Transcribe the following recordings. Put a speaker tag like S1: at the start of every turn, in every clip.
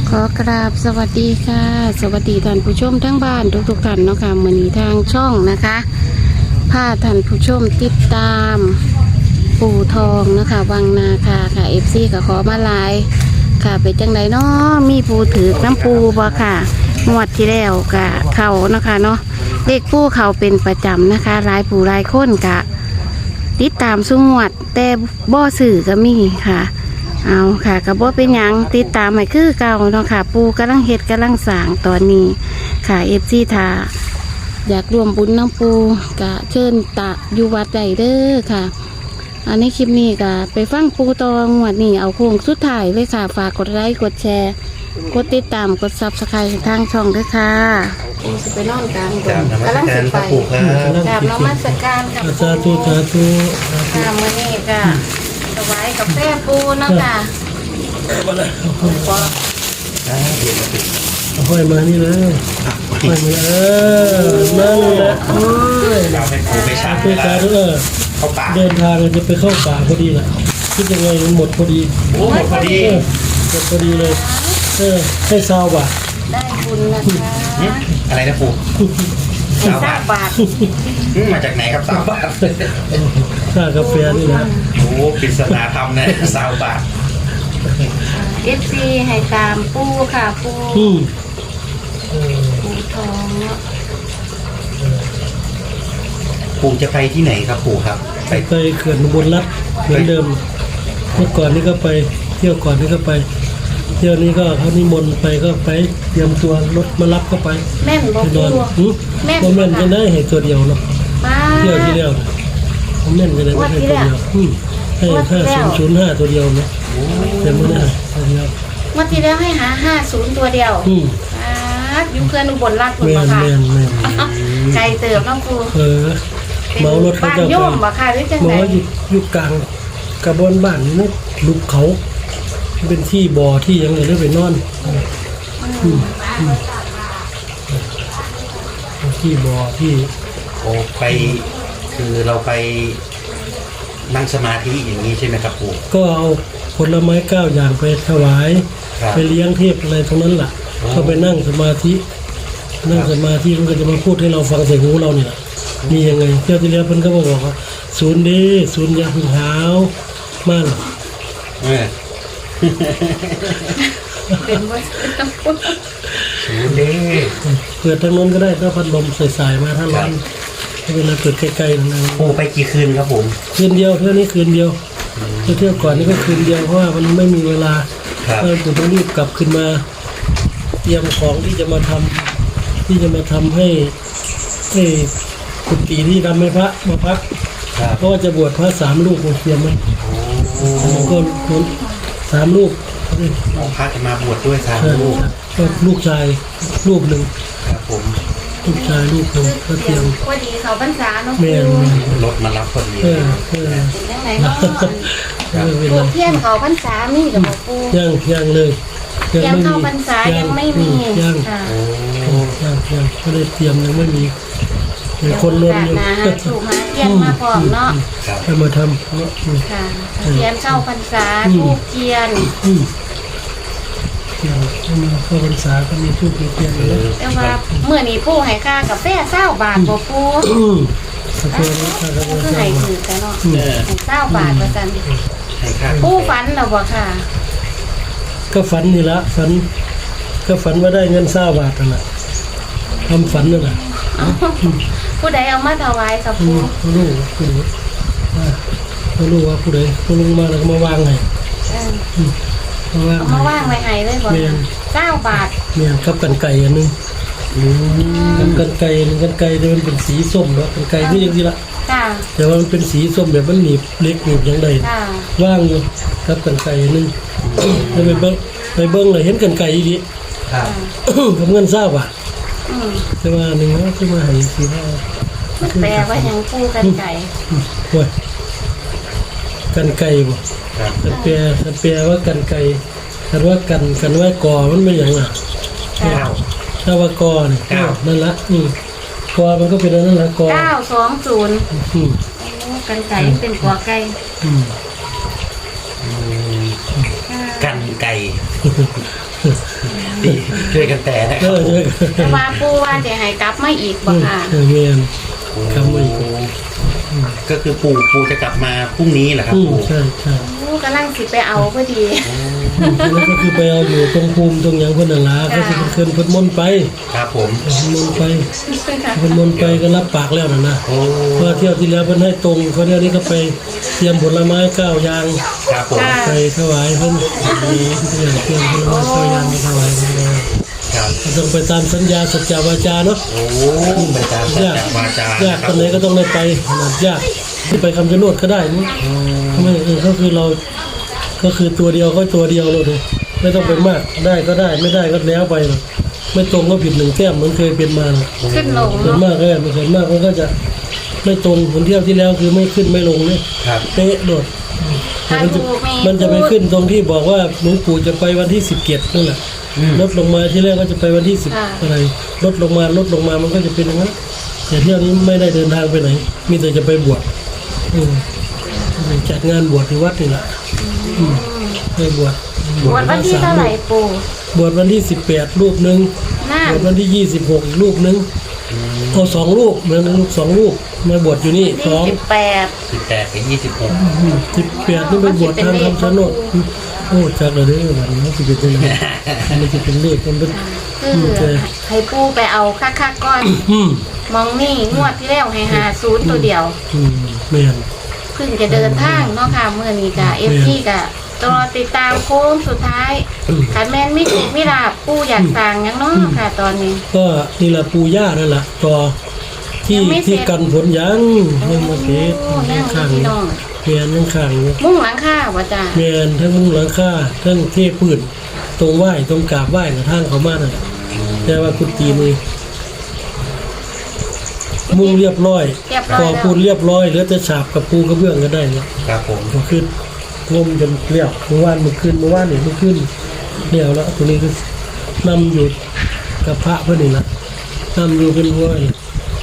S1: ขอกราบสวัสดีค่ะสวัสดีท่านผู้ชมทั้งบ้านทุกท่านเนาะค่ะมื้อนี้ทางช่องนะคะพาท่านผู้ชมติดตามปู่ทองนะคะวังนาคาค่ะ FC ก็ขอมาไลน์ค่ะไปจังไดเนาะมีปูถือน้ำปูบ่ค่ะงวดที่แล้วกะเขานะคะเนาะเลขปูเขาเป็นประจำนะคะรายปู่รายคนกะติดตามสุงวดแต่บ่สื่อก็มีค่ะเอาค่ะกระบอกเป็นยังติดตามให้คือเก่าเนาะค่ะปูกำลังเฮ็ดกำลังสร้างตอนนี้ค่ะFC ทาอยากรวมบุญน้ำปูกะเชิญตะอยู่วัดใดเด้อค่ะอันนี้คลิปนี้กะไปฟังปูตองงวดนี้เอาโค้งสุดท้ายเลยค่ะฝากกดไลค์กดแชร์กดติดตามกดซับสไครต์ทางช่องด้วยค่ะสิไปนอนกลางกำลังสิไปกราบนมัสการกับปู
S2: สาธุ
S1: ค่ะมื้อนี้ก็ถวายกาแฟปูเนาะค่ะ
S2: ห้อยมานี่เลยห้อยมานั่นแหละโอ้ย
S3: เราให้ปูไปชาร์จ
S2: เพื่อการ
S3: เข้าป่า
S2: เดินทางจะไปเข้าป่าพอดีแหละคิดยังไงมันหมดพอดี
S3: โอ้หมดพอดี
S2: หมดพอดีเลยให้ซาวบ่ะ
S1: ได้บุญนะคะ
S3: อะไรนะปู
S1: สร้างบาท
S3: มาจากไหนครับ3 บาท
S2: ค่ากาแฟนี่นะ
S3: โอ้ปริศนาธรรมนะ3 บาท
S1: FC ให้ตามปูค่ะปู ปูทองเนาะ
S3: ปูจะไปที่ไหนครับปูครับไป
S2: ไปเขื่อนอุบลรัตน์เหมือนเดิมเมื่อก่อนนี่ก็ไปเที่ยวก่อนนี่ก็ไปเที่ยวนี้ก็เขานิมนต์ไปก็ไปเตรียมตัวรถมารับก็ไป
S1: แม่นบ่
S2: ไปน
S1: ปู
S2: อนบ่แม่นจะได้ให้ตัวเดียวเนาะ
S1: ป้า
S2: เที่ยวที่แล้วผมแม่นจะได้ไม่ให้ตัวเดียวให้5005ตัวเดียวนะแต่ไม่ได้ตัวเดียว
S1: วันที่แล้วให้หา50ตัวเดียวอยู่เพื่อนอุบลราชบุรี
S2: แม่น
S1: ค่ะ
S2: แม่นแม่น
S1: ไกลเติบน้องปู
S2: เมารถเขา
S1: บ้าน
S2: เจ้า
S1: โยมบ่ค่ะหรือจัง
S2: หม
S1: ได
S2: ออยู่กลางกระบอนบ้านนี่นะลุกเขาเป็นที่บ่อที่ยังเลยไปนอนที่บ่อที่
S3: โอ้ไปคือเราไปนั่งสมาธิอย่างนี้ใช่ไหมครับปู
S2: ก็เอาผลไม้9อย่างไปถวาย
S3: ครับ
S2: ไปเลี้ยงเทพอะไรทั้งนั้นล่ะก็ไปนั่งสมาธิมันก็จะมาพูดให้เราฟังใส่หูเราเนี่ยมียังไงเที่ยวที่แล้วเพิ่นก็บอกว่าศูนย์ดีศูนย์ยาหึงหาวมาก
S1: เป็นว่าต้องปู
S3: ศูนย์เด้
S2: เปิดทางโน้นก็ได้ถ้าพัดลมใส่ๆมาถ้าร้อนไม่เป็นไรเปิดใกล้ๆนะ
S3: ปูไปกี่คืนครับผม
S2: คืนเดียวเที่ยวนี้คืนเดียวเที่ยวก่อนนี่ก็คืนเดียวเพราะว่ามันไม่มีเวลา
S3: ครับ
S2: เราจะต้องรีบกลับขึ้นมาเตรียมของที่จะมาทำให้กุฏิที่ทำให้พระมาพัก
S3: ครับ
S2: เพราะว่าจะบวชพระ3 ลูกเตรียมไหม
S3: โอ้
S2: แล้วก็3 ลูก
S3: พระจะมาบวชด้วย3 ลูก
S2: ก็ลูกชายลูกหนึ่ง
S3: ครับผม
S2: ลูกชายลูกหนึ่งก็เตรียม
S1: พอดีเขาพรรษาเนาะ
S2: แม่
S1: ปู
S3: รถมารับพอดี
S2: เออ
S1: เป็นยังไงเนาะ
S2: เว
S1: ปู
S2: ลา
S1: เทียนเขาพรรษามีกับบ่ปู
S2: ย่างเลย
S1: ยังเข้าพรรษายังไม่มี
S2: ย่าง
S1: ค่ะ
S2: ยังไม่ได้เตรียมยังไม่มีมีคนรวมอยู่
S1: นะฮะถูกหาเทียนมาพร้อมเนาะ
S3: ครับ
S2: ให้มาทำเนาะ
S1: ค่ะเทียนเข้าพรรษาทูบเทียน
S2: ให้มาเข้าพรรษาก็มีทูบมีเทียนอยู่แล้ว
S1: แต่ว่าเมื่อนี้ปูให้ค่ากาแฟ20 บาทบ่ปู
S2: กาแฟนี่ถ้าเรา
S1: คือให้ถือกันเนาะให้20 บาทว่าซั่น
S3: ให้ค่า
S1: ปูฝันแล้วบ่ค่ะ
S2: ก็ฝันนี่ละฝันก็ฝันว่าได้เงิน20 บาทนั่นแหละทำฝันนั่นแหละ
S1: ผู้ใดเอามาถวายกับปู
S2: เขารู้ว่าผู้ใดเขาลงมาแล้วก็มาวางให้
S1: เออ
S2: มาวาง
S1: เอามาวางไว้ให้เลยบ่
S2: แม่น
S1: 9 บาท
S2: เนี่ยกับกันไก่อันนึงกับกันไก่นึงกันไก่เนี่ยมันเป็นสีส้มเนาะกันไก่นี่ยังสิละ
S1: ค่ะ
S2: แต่ว่ามันเป็นสีส้มแบบมันหนีบเล็กหนีบอย่างใด
S1: ค่ะ
S2: ว่างอยู่กับกันไก่อันนึงแล้วไปเบิ้งเลยเห็นกันไก่อีดี
S3: ครับ
S2: กับเงิน20 บาท
S1: อืม
S2: แต่ว่าหนึ่งนะที่มาให้สีว่า
S1: มันแปลว่าหยังปูกันไก่
S2: โอ้ยกันไก่บ่
S3: ครับ
S2: กันแปลว่ากันไก่กันว่ากันว่ากอมันเป็นอย่างน่ะ
S1: ค่ะ
S2: ถ้าว่ากอนี่
S3: เก้า
S2: นั่นละกอมันก็เป็นอันนั้นละกอ
S1: 920
S2: อืม
S1: โอ้กันไก่เป็นกัวไก่
S2: อืม
S3: กันไก่ดีช่วยกันแต่นะค
S2: เอ
S3: รับ
S2: อช่วยกัน
S1: แต่ว่าปูว่าจะให้กลับมาอีกบ่ค่ะ
S2: เมียนคำว่าอีก
S3: ก็คือปู่จะกลับมาพรุ่งนี้เหรอครับปู่
S2: ใช่ใช่
S1: ปูกำลังสิไปเอาพอดี
S2: แล้วก็คือไปเอาอยู่ตรงภูมิตรงหยังเพิ่นนั่นล่ะก็สิเพิ่นเพิ่นมนต์ไป
S3: ครับผม
S2: เพิ่นมนต์ไปเพิ่นมนต์ไปก็รับปากแล้วนั่นนะ
S3: โอ้
S2: เพราะเที่ยวที่แล้วเพิ่นให้ตรงเขาเที่ยวนี้ก็ไปเตรียมผลไม้9อย่าง
S3: ครับผม
S2: ไปถวายเพิ่นเตรียมผลไม้9อย่างไปถวายเพิ่นเลย
S3: ครับ
S2: ก็ต้องไปตามสัญญาสัจจาวาจาเนาะ
S3: โอ้ไปตามสัจ
S2: ยาก
S3: จะวาจาย
S2: ากคนไหนก็ต้องได้ไปขนาดยากไปคำชะโนดก็ได้มั้งทำไมก็คือเราก็คือตัวเดียวก็ตัวเดียวเลยไม่ต้องไปมากได้ก็ได้ไม่ได้ก็แล้วไปหรอกไม่ตรงก็ผิด1 แต้มเหมือนเคยเป็นมาหรอก
S1: ขึ้นลง
S2: ส่วน
S1: เนาะ
S2: มากก็ไม่ส่วนมากมันก็จะไม่ตรงเหมือนเที่ยวที่แล้วคือไม่ขึ้นไม่ลงเนี่ย
S3: ครับ
S2: เป๊ะโดดแต่มันจะไปขึ้นตรงที่บอกว่าหลวงปู่จะไปวันที่17นั่นแหละลดลงมาที่แรกก็จะไปวันที่10อะไรลดลงมามันก็จะเป็นอย่างนั้นแต่เที่ยวนี้ไม่ได้เดินทางไปไหน มีแต่จะไปบวชจัดงานบวชที่วัดนี่แหละไปบวช
S1: บวชวันที่เท่าไหร่ปู
S2: บวชวันที่18รูปหนึ่ง
S1: น่า
S2: บวชวันที่26อีกรูปหนึ่งเอา2 รูปเหมือนลูก2 รูปมาบวชอยู่นี่
S1: ที่
S2: 2
S1: 18
S3: 18 กับ
S2: 18นี่ไปบวชทางคำชะโนดโอ้จักเลยเด้อวันนี้สิเป็นยังไงมันจะเป็นเลขมันเป็น
S1: คือให้ปูไปเอาคักๆก่อน
S2: อืม
S1: มองนี่งวดที่แล้วให้50ตัวเดียว
S2: แม่น
S1: เพิ่งจะเดินทางเนาะค่ะเมื่อนี้กะFT กะรอติดตามโค้งสุดท้ายขันแมนไม่ถูกไม่ลาบปูอยากสั่งหยังเนาะค่ะ ตอนนี้
S2: ก็นี่แหละปู่ย่านั่นแหละต่อที่
S1: ยังไม่เสร็จ
S2: ที่กันผลยังมาเก็บ
S1: โอ้นั่ง
S2: ข้าง
S1: พี่น้อง
S2: แม่นยังข้างอยู่
S1: มุ่งหลังค่าวะจ้า
S2: แม่นทั้งมุ้งหลังคาทั้งเทพื้นตรงไหว้ตรงกราบไหว้กับทางเขามาน่ะแต่ว่ากุฏินี่มุงเรียบร้อย
S1: เรียบร้อย
S2: ก่อปูนเรียบร้อยเหลือแต่ฉาบกับปูกระเบื้องก็ได้เนี่ย
S3: ครับผม
S2: ก็ขึ้นงมจนเรียบเมื่อวานเมื่อคืนเมื่อคืนเรียวแล้วตัวนี้ก็นำอยู่กับพระเพื่อนนี่ละนำอยู่เป็นหัวนี่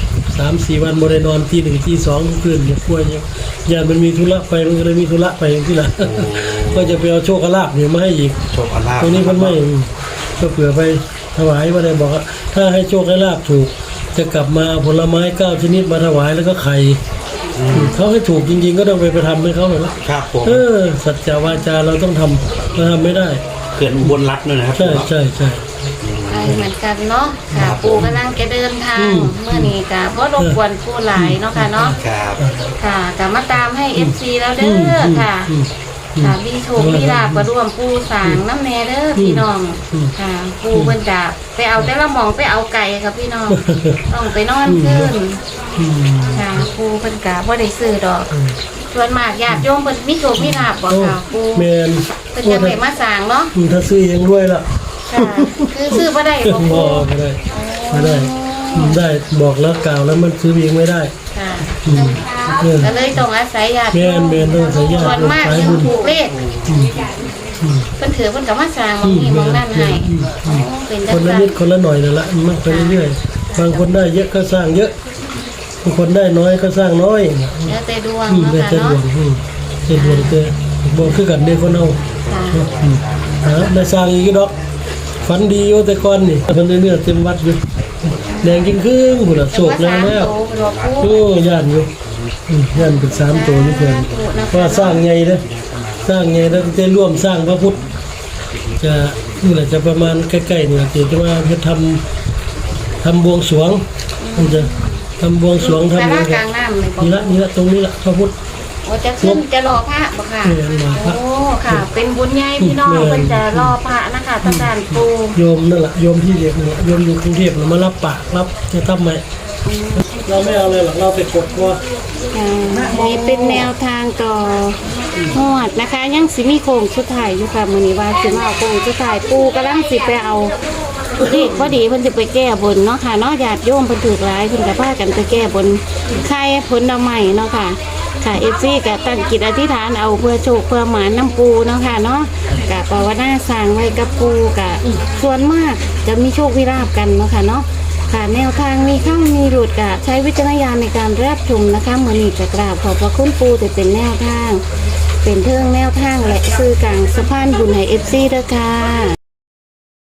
S2: 3-4 วันบรินอนที่1ที่2ทุกคืนเนี่ยป่วยเนี่ยยานมันมีธุระไปมันก็เลยมีธุระไปที่ละ ก็จะไปเอาโชคลาภเนี่ยมาให้อีก
S3: โชคอาลาภ
S2: ตรงนี้มันไม่ก็เผื่อไปถวายว่าได้บอกว่าถ้าให้โชคให้ลาภถูก จะกลับมาเอาผลไม้9 ชนิดมาถวายแล้วก็ไข่เขาให้ถูกจริงๆ ก็ต้องไปทำให้เขาหน่อยนะครับ
S3: ผม
S2: สัจจาวาจาเราต้องทำเราทำไม่ได้
S3: เขื่อนอุบลรัตน์ด้วยนะครับ
S2: ใช่ใช่ใช่
S1: ไปเหมือนกันเนาะค่ะปูกำลังจะเดินทางเมื่อนี้กะเพราะรบกวนปูหลายเนาะค่ะเนาะ
S3: ครับ
S1: ค่ะกะมาตามให้ FC แล้วเด้อค่ะ ค่ะมีโชคมีลาบก็ร่วมปูสางน้ำแน่เด้อพี่น้องค่ะปูเพิ่นจะไปเอาแต่ละหมองไปเอาไก่ค่ะพี่น้องต้องไปนอนขึ้นค่ะปูเพิ่นกะบ่ได้ซื้อดอกส่วนมากญาติโยมเพิ่นมีโชคมีลาบบ่ค่ะปู
S2: แมน
S1: เพิ่นจะไปมาสร้างเนาะ
S2: ถ้าซื้อเองด้วยล่ะ
S1: ค่ะคือซื้อบ่ได้บ่
S2: บ
S1: ปู
S2: อกไม่ได้ได้บอกแล้วกล่าวแล้วมันซื้อเองไม่ได้
S1: ค่ะก็เลยต้องอาศัยญาติ
S2: แม
S1: โย
S2: น
S1: ม
S2: แมนต้องใส่ยา
S1: ส่วนมาก
S2: สาย
S1: ยัง
S2: บุญ
S1: ถูกเลขเพิ่นถือเพิ่นก็มาสร้างบางทีบางนั่นให้อ๋อเป็นจั
S2: ค
S1: ง
S2: นละ
S1: ซั่น
S2: นิดคนละหน่อยนั่นละมันไปเรื่อยๆบางคนได้เยอะก็สร้างเยอะบางคนได้น้อยก็สร้างน้อย
S1: แล้วแต่ดวง
S2: ได้
S1: เนาะ
S2: แต่
S1: ค่ะ
S2: ดวง
S1: เนาะ
S2: แต่ดวงแต่บอกคือกันเด้คนเอา
S1: ค่ะ
S2: ได้สร้างอีกดอกฝันดีอยู่แต่ก่อนนี่คนเนื้อเต็มวัดอยู่แดงกินครึ่งพุ่นน่ะโศกแล้วแล้ว
S1: โตเป็นว่าปู
S2: โอ้ย่านอยู่ย่านเป็น3 ตัวนี่เพิ่นเพราะว่าสร้างใหญ่เด้อสร้างใหญ่แล้วจะร่วมสร้างพระพุทธจะนี่แหละจะประมาณใกล้ๆนี่จะว่าเฮ็ดทำบวงสรวงมันจะทำบวงสรวงทำ
S1: สา
S2: อะไร
S1: ราก
S2: กั
S1: ลาน งน้ำเลยบ่
S2: นี่ละตรงนี้ละพระพุทธ
S1: โอ้จะขึ้นจะรอพระบ่ค่ะ
S2: รอพระ
S1: โอ้ค่ะ เป็นบุญใหญ่พี่น้องเพิ่นจะรอพระนะคะทางด้านปู
S2: โยมนั่นแหละโยมที่เด็กนั่นแหละโยมอยู่กรุงเทพน่ะมารับปากรับจะทำไหมเราไม่เอาเลยหรอกเราไปกดคอ
S1: นี่เป็นแนวทางต่อหวดนะคะ ยังสิมีโค้งสุดท้ายอยู่ค่ะมื้อนี้ว่าสิมาเอาโค้งสุดท้ายปูกำลังสิไปเอาเลขพอดีเพิ่นสิไปแก้บนเนาะค่ะเนาะญาติโยมเพิ่นถูกหลายเพิ่นก็พากันไปแก้บนไข่ผลไม้เนาะค่ะค่ะ FC ก็ตั้งจิตอธิษฐานเอาเพื่อโชคเพื่อหมานน้ำปูเนาะค่ะเนาะก็ภาวนาสร้างไว้กับปูก็ส่วนมากจะมีโชควิราบกันเนาะค่ะเนาะค่ะแนวทางมีเข้ามีหลุดก็ใช้วิจารณญาณในการรับชมนะคะมื้อนี้จะกราบขอบพระคุณปูแต่เป็นแนวทาง เป็นเทิงแนวทางและซื้อกลางสะพานบุญให้ FC เด้อค่ะ